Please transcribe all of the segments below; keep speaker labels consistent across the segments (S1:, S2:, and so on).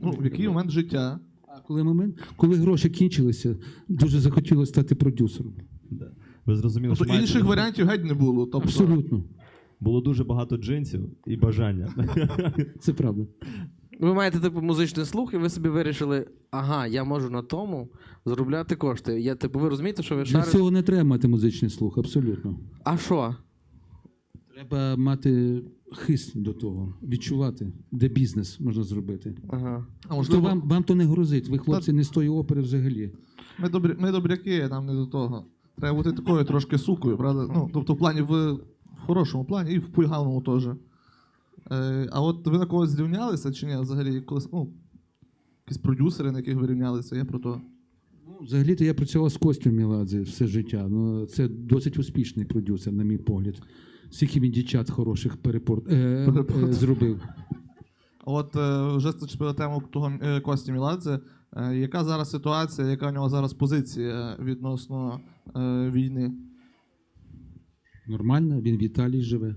S1: Ну, в який момент життя?
S2: А коли гроші кінчилися, дуже захотілося стати продюсером.
S3: Да. Ви зрозуміли,
S1: Тобто
S3: що маєте...
S1: інших варіантів геть не було. Тобто...
S2: Абсолютно.
S3: Було дуже багато джинсів і бажання.
S2: Це правда.
S4: Ви маєте типу музичний слух, і ви собі вирішили, ага, я можу на тому заробляти кошти. Ви розумієте, що ви
S2: Для
S4: шарите?
S2: цього не треба мати музичний слух, абсолютно.
S4: А що?
S2: Треба мати хист до того, відчувати, де бізнес можна зробити.
S4: Ага.
S1: А
S2: То
S1: можливо,
S2: вам то не грозить, ви, хлопці, не з тої опери взагалі.
S1: ми добряки, нам не до того. Треба бути такою трошки сукою, правда? Ну, тобто в плані в хорошому плані і в поганому теж. А от ви на когось зрівнялися чи ні? Взагалі, колись, ну, якісь продюсери, на яких ви рівнялися, я про то.
S2: Ну, взагалі-то я працював з Костю Меладзе все життя. Ну, це досить успішний продюсер, на мій погляд. Скільки він дівчат хороших зробив.
S1: От вже зачепили тему того Кості Меладзе. Яка зараз ситуація, яка в нього зараз позиція відносно війни?
S2: Нормально, він в Італії живе.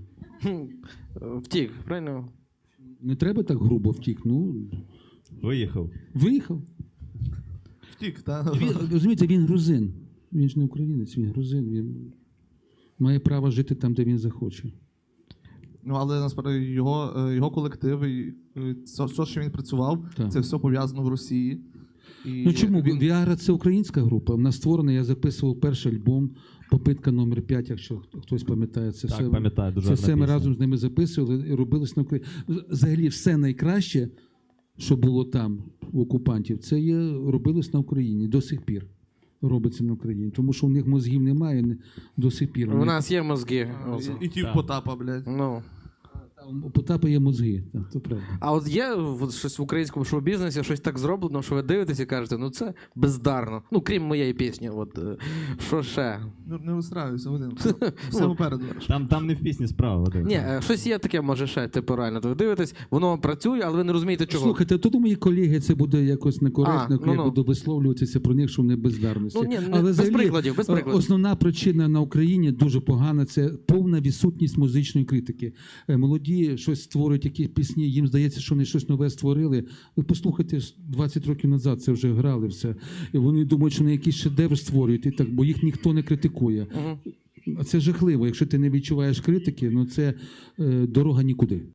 S4: Втік, правильно?
S2: Не треба так грубо втік. Ну,
S3: Виїхав.
S2: виїхав.
S1: Втік, так?
S2: Розумієте, він грузин. Він ж не українець, він грузин. Він має право жити там, де він захоче.
S1: Ну, але насправді його колектив і все, що він працював,
S2: Так.
S1: це все пов'язано в Росії. І
S2: Ну чому?
S1: він...
S2: Віагра – це українська група. Вона створена, я записував перший альбом «Попитка номер 5», якщо хтось пам'ятає. Це
S3: Так,
S2: все,
S3: пам'ятаю, дуже
S2: це
S3: гарна
S2: все ми
S3: пісня.
S2: разом з ними записували і робилось на Україні. Взагалі все найкраще, що було там у окупантів, це робилось на Україні до сих пір. Робиться на Україні. Тому що у них мозгів немає до сих пір.
S4: У нас є мозги.
S1: І ті в
S3: Так.
S1: Потапа, блядь.
S4: Ну.
S2: У Потапа є мозги, так, то правда.
S4: А от є щось в українському шоу-бізнесі, щось так зроблено, що ви дивитесь і кажете, ну це бездарно. Ну, крім моєї пісні, от що ще?
S1: Ну, не вистраюйся, Вадим. Все попереду.
S3: Там не в пісні справа. Вадим.
S4: Ні, щось є таке, може ще, типу, реально. Ви дивитесь, воно працює, але ви не розумієте, чого.
S2: Слухайте, тут мої колеги це буде якось некоректно, коли я
S4: ну.
S2: буду висловлюватися про них, що вони бездарності.
S4: Ну, ні,
S2: Але
S4: без
S2: взагалі,
S4: прикладів, без прикладів.
S2: Основна причина на Україні дуже погана – це повна відсутність музичної критики. Молоді щось створюють, якісь пісні, їм здається, що вони щось нове створили. Ви послухайте, 20 років назад це вже грали все. І вони думають, що вони якийсь шедевр створюють, і так, бо їх ніхто не критикує.
S4: Мгм.
S2: А це жахливо. Якщо ти не відчуваєш критики, ну це дорога нікуди.